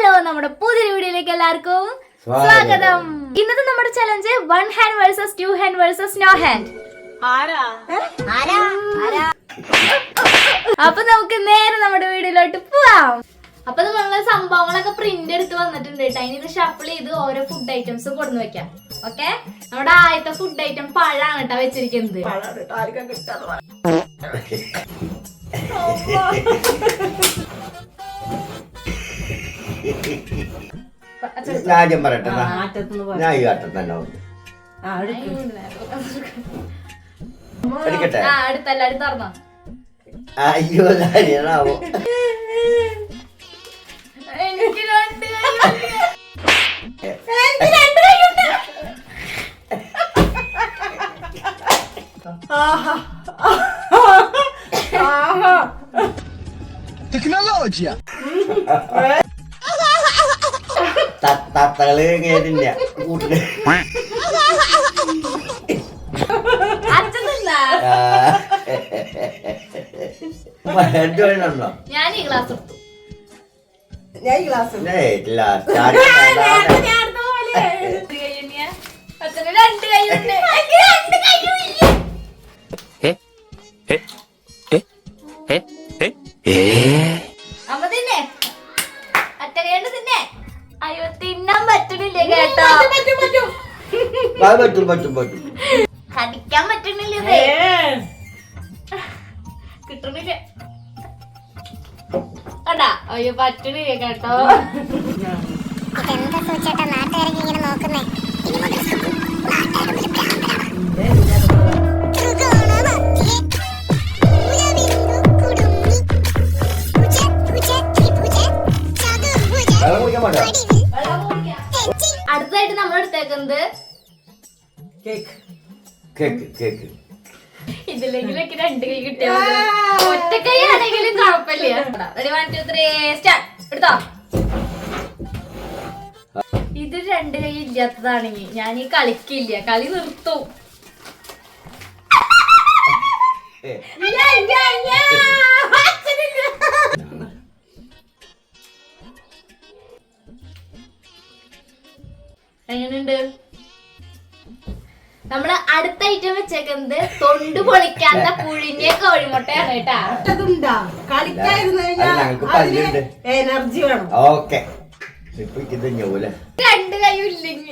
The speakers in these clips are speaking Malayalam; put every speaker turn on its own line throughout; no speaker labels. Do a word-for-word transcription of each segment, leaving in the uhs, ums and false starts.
ഹലോ, നമ്മുടെ പുതിയ വീഡിയോയിലേക്ക് എല്ലാവർക്കും സ്വാഗതം. ഇന്നത്തെ നമ്മുടെ challenge one hand versus two hand versus no hand. അപ്പൊ നമുക്ക് നേരെ നമ്മുടെ വീഡിയോയിലോട്ട് പോവാം. അപ്പൊ നമ്മള് സംഭവങ്ങളൊക്കെ പ്രിന്റ് എടുത്ത് വന്നിട്ടുണ്ട് കേട്ടോ. ഇനി ഇത് ഷഫിൾ ചെയ്ത് ഓരോ ഫുഡ് ഐറ്റംസ് കൊടുന്ന് വെക്കാം. ഓക്കെ, നമ്മുടെ ആദ്യത്തെ ഫുഡ് ഐറ്റം പഴാണ് കേട്ടോ വെച്ചിരിക്കുന്നത്.
ആദ്യം പറയട്ടെ, ഞാൻ ഈ ഘട്ടം തന്നെ എടുക്കട്ടെ.
അടുത്തല്ല, അടുത്തറന്നോ.
അയ്യോ, കാര്യമാവോ?
എനിക്ക് രണ്ട്
Tecnologia.
തത്തകള് കേട്ടില്ല കൂട്ടില് ഉണ്ടോ?
ഞാൻ ഈ ഗ്ലാസ് എടുത്തു.
ഞാൻ ഈ ഗ്ലാസ്
രണ്ട് കൈയുണ്ട്. രണ്ട് കൈയില്ല. അമ്മ തിന്നെ, അറ്റ കൈണ്ട് തിന്നെ. അയ്യോ, തിന്നാൻ പറ്റണില്ലേ കേട്ടോ.
പറ്റും പറ്റും പറ്റും
കടിക്കാൻ പറ്റണില്ലേ, കിട്ടണില്ല കണ്ടാ. അയ്യോ, പറ്റണില്ലേ കേട്ടോ.
എന്താ സൂചേട്ടാ നാട്ടുകാരൊക്കെ ഇങ്ങനെ നോക്കുന്നേ?
അടുത്തതായിട്ട് നമ്മൾ എടുത്തേക്കുന്നത്
കേക്ക്.
കേക്ക് കേക്ക്
ഇതിലെങ്കിലൊക്കെ രണ്ട് കൈ കിട്ടിയ ഒറ്റ കൈ ആണെങ്കിലും കുഴപ്പമില്ല. Ready, one two three start. എടുത്തോ. ഇത് രണ്ട് കൈ ഇല്ലാത്തതാണെങ്കിൽ ഞാൻ ഈ കളിക്കില്ല, കളി നിർത്തും. എങ്ങനെയുണ്ട്? നമ്മള് അടുത്ത ഐറ്റം വെച്ചേക്കുന്നത് തൊണ്ട് പൊളിക്കാത്ത പുഴിഞ്ഞ കോഴിമുട്ടയാണ് കേട്ടാ.
എനർജി വേണം.
ഓക്കെ,
രണ്ട് കൈയും ഇല്ലെങ്കിൽ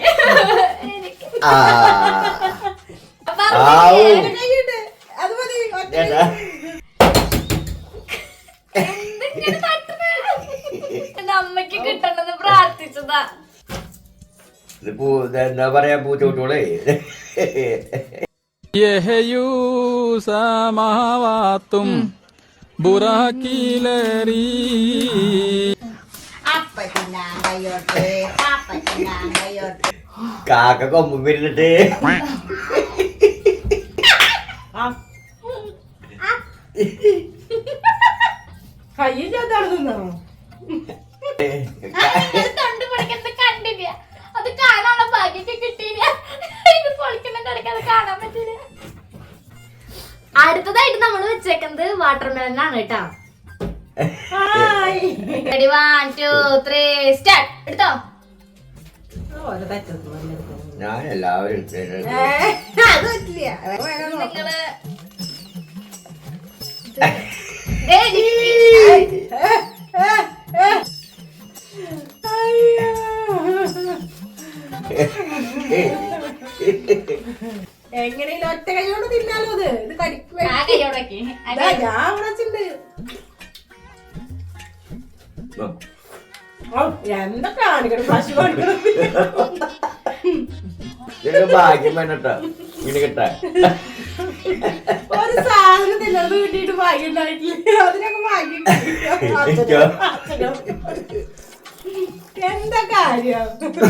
അമ്മക്ക് കിട്ടണമെന്ന് പ്രാർത്ഥിച്ചതാ.
എന്താ പറയാ, പൂച്ചോട്ടോളെ
യഹയൂസമാവാത്തും ബുറാക്കിലറി
കാക്ക കൊമ്പ് വരുന്നിട്ട്
കയ്യില്ലാത്തോ?
തൊണ്ട് പൊളിക്കുന്നത് കണ്ടില്ല, അത് കാണാനുള്ള ഭാഗ്യൊക്കെ കിട്ടിയില്ല. ഇത് പൊളിക്കുന്ന കിടക്കാതെ കാണാൻ പറ്റില്ല. അടുത്തതായിട്ട് നമ്മൾ വെച്ചേക്കുന്നത് വാട്ടർ മെലനാണ് കേട്ടാ. Ready, one two three start. എടുത്തോ.
ഞാൻ എല്ലാവരും
നിങ്ങള്
എങ്ങനെയും ഒറ്റ കൈയോട് തിന്നാലോ. അത് ഇത് കടിക്കുക. ഞാൻ വിളിച്ചിട്ടുണ്ട്. എന്താ കാണിക്കണം, പശു കാണിക്കണം.
ഭാഗ്യം വേണട്ടാ ഇങ്ങനെ കിട്ടാ.
ഒരു സാധനം തിന്നത് കിട്ടിയിട്ട് ഭാഗ്യം ഉണ്ടായിട്ടില്ല. അതിനൊക്കെ ഭാഗ്യം. എന്താ കാര്യം?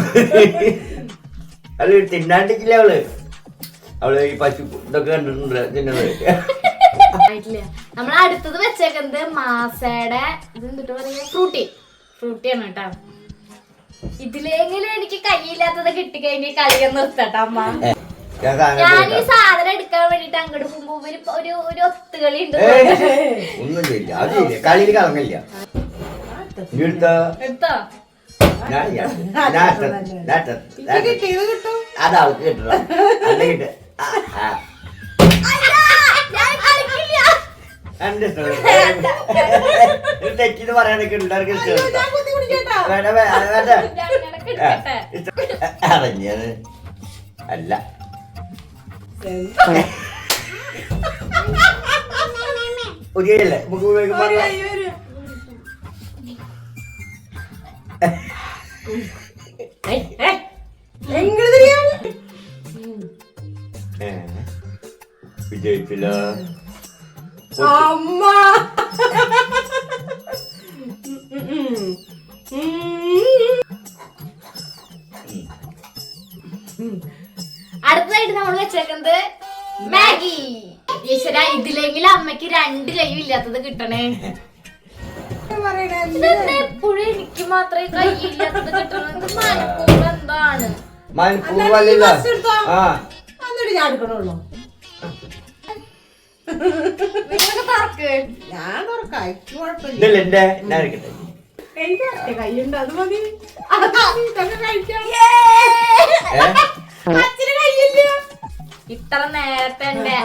അത് തിന്നാണ്ടിക്കില്ല അവള്. അവള് ഈ പശു ഇതൊക്കെ കണ്ടിട്ടുണ്ട് തിന്നത്.
നമ്മൾ അടുത്തത് വെച്ചേക്കുന്നത് മാസയുടെ ഇത് എന്തിട്ട് പറയാ, ഫ്രൂട്ടി ഫ്രൂട്ടിയാണ് കേട്ടോ. ഇതിലെങ്കിലും എനിക്ക് കൈയില്ലാത്തത് കിട്ടിക്കഴിഞ്ഞ കളിയെ നിർത്തട്ടെ അമ്മ. ഞാൻ ഈ സാധനം എടുക്കാൻ വേണ്ടിട്ട് അങ്ങോട്ട് പോകുമ്പോ ഒരു ഒരു ഒത്തുകളി ഉണ്ട്.
ഒന്നും ചെയ്യില്ല, അത് കളിയിൽ കളങ്ങില്ല.
എടുത്തോ.
ഞാൻ ഞാൻ നാട്ട നാട്ട
ഇത് കിട്ടിയത് കിട്ടും.
അത് അവൾക്ക് കിട്ടണം അല്ല കിട്ട എന്റെ തെറ്റിന്ന് പറയാനൊക്കെ ഉണ്ടായിരിക്കും
അയ്യോ, ഞാൻ കുത്തി പിടിക്കട്ടാ.
വേണ്ട വേണ്ട
കിട്ടട്ടെ.
അറിഞ്ഞത് അല്ല പുതിയല്ലേ നമുക്ക്
ഒരു
ഉപയോഗിക്കുമ്പോ
കൈ വരും. എങ്ങനെ തിരിയാണ്?
വിജയിച്ചില്ല
അമ്മ.
അടുത്തതായിട്ട് നമ്മൾ വെച്ചേക്കുന്നത് മാഗി. ഈശ്വര, ഇതിലെങ്കിലും അമ്മക്ക് രണ്ട് കൈയും ഇല്ലാത്തത് കിട്ടണേ.
പറയണേ
ഇതെന്താ എപ്പോഴും എനിക്ക് മാത്രമേ കൈയില്ലാത്തത് കിട്ടണത്? മനപ്പൂർവ്വം എന്താണ്?
മനപ്പൂർവ്വമല്ലല്ലോ. ആ
എന്നിട്ട് ഞാൻ എടുക്കണുള്ളൂ.
നിങ്ങളൊക്കെ തുറക്ക്.
ഞാൻ തുറക്കാം, എനിക്ക് കുഴപ്പമില്ല.
ഇതല്ല എന്റെ ഞാൻ എടുക്കട്ടെ
എനിക്ക് ഒറ്റ കൈയുണ്ട്, അത് മതി. ഇതൊക്കെ കഴിക്കാം.
ഏ
അച്ഛന് കൈയില്ല.
ഇത്ര നേരത്തെ ഉണ്ട്.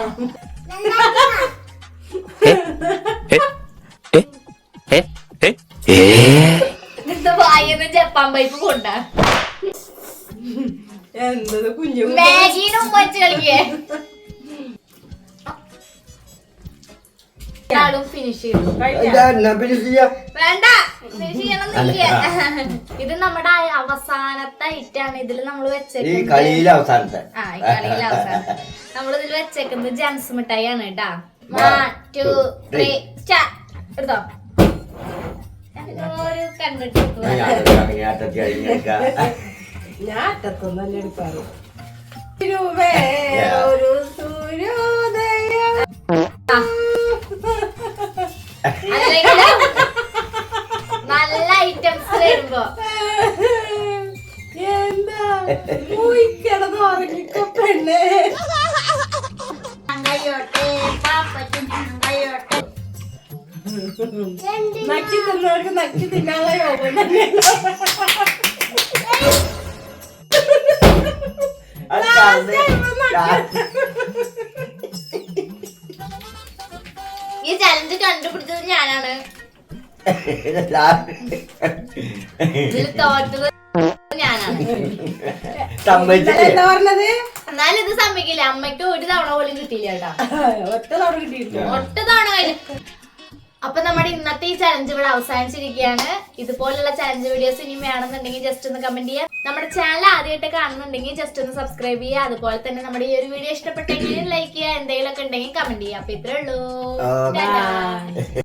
ഇത് വായന്ന് ജപ്പാൻ പൈപ്പ് കൊണ്ടാ
എന്തത് കുഞ്ഞു
മാഗീനും വെച്ച് കളിക്കേ. ഫിനിഷ് ചെയ്തു.
എന്നാ പിന്നെ ചെയ്യാം
വേണ്ട, ഫിനിഷ് ചെയ്യണമെന്നില്ല. ഇത് നമ്മുടെ അവസാനത്തെ ഐറ്റാണ്. ഇതിൽ നമ്മൾ
ഈ
വെച്ചേക്കുന്നത്
കളിയിലെ അവസാനത്തെ
ആ ഈ കളിയിലെ അവസാനം നമ്മൾ ഇതിൽ വെച്ചേക്കുന്നത് ജംസ് മിഠായി ആണ് കേട്ടാ. വൺ ടു ത്രീ എടുത്തോ. ഒരു കണ്ടിട്ട്
ഞാൻ അറ്റത്തൊന്നല്ല എടുക്കാറ്. തിരുവേ ഒരു സൂര്യോദയം.
അല്ലെങ്കിൽ നല്ല ഐറ്റംസ് വരുമ്പോ
എന്താ മൂയിക്കിടന്ന് ഉറങ്ങിക്കോ പെണ്ണേ. നക്കി തിന്നവർക്ക് നക്കി തിന്നാനുള്ള യോഗം തന്നെ.
ഈ ചലഞ്ച് കണ്ടുപിടിച്ചത് ഞാനാണ്. ഇതിൽ തോറ്റത് ഞാനാണ്.
സമ്മതിച്ചില്ലേ
എന്താ പറഞ്ഞത്?
എന്നാലും ഇത് സമ്മതിക്കില്ല. അമ്മയ്ക്ക് ഒരു തവണ പോലും കിട്ടിയില്ല കേട്ടാ.
ഒറ്റ തവണ കിട്ടിയിട്ടില്ല.
ഒറ്റ തവണ കഴിഞ്ഞു. അപ്പൊ നമ്മുടെ ഇന്നത്തെ ഈ ചലഞ്ച് ഇവിടെ അവസാനിച്ചിരിക്കുകയാണ്. ഇതുപോലുള്ള ചലഞ്ച് വീഡിയോസ് ഇനി വേണമെന്നുണ്ടെങ്കിൽ ജസ്റ്റ് ഒന്ന് കമന്റ് ചെയ്യാം. നമ്മുടെ ചാനൽ ആദ്യമായിട്ട് കാണുന്നുണ്ടെങ്കിൽ ജസ്റ്റ് ഒന്ന് സബ്സ്ക്രൈബ് ചെയ്യുക. അതുപോലെ തന്നെ നമ്മുടെ ഈ ഒരു വീഡിയോ ഇഷ്ടപ്പെട്ടെങ്കിൽ ലൈക്ക് ചെയ്യുക. എന്തെങ്കിലുമൊക്കെ ഉണ്ടെങ്കിൽ കമന്റ് ചെയ്യുക. അപ്പൊ ഇത്രേ ഉള്ളൂ.
ഓ,
ടാറ്റാ.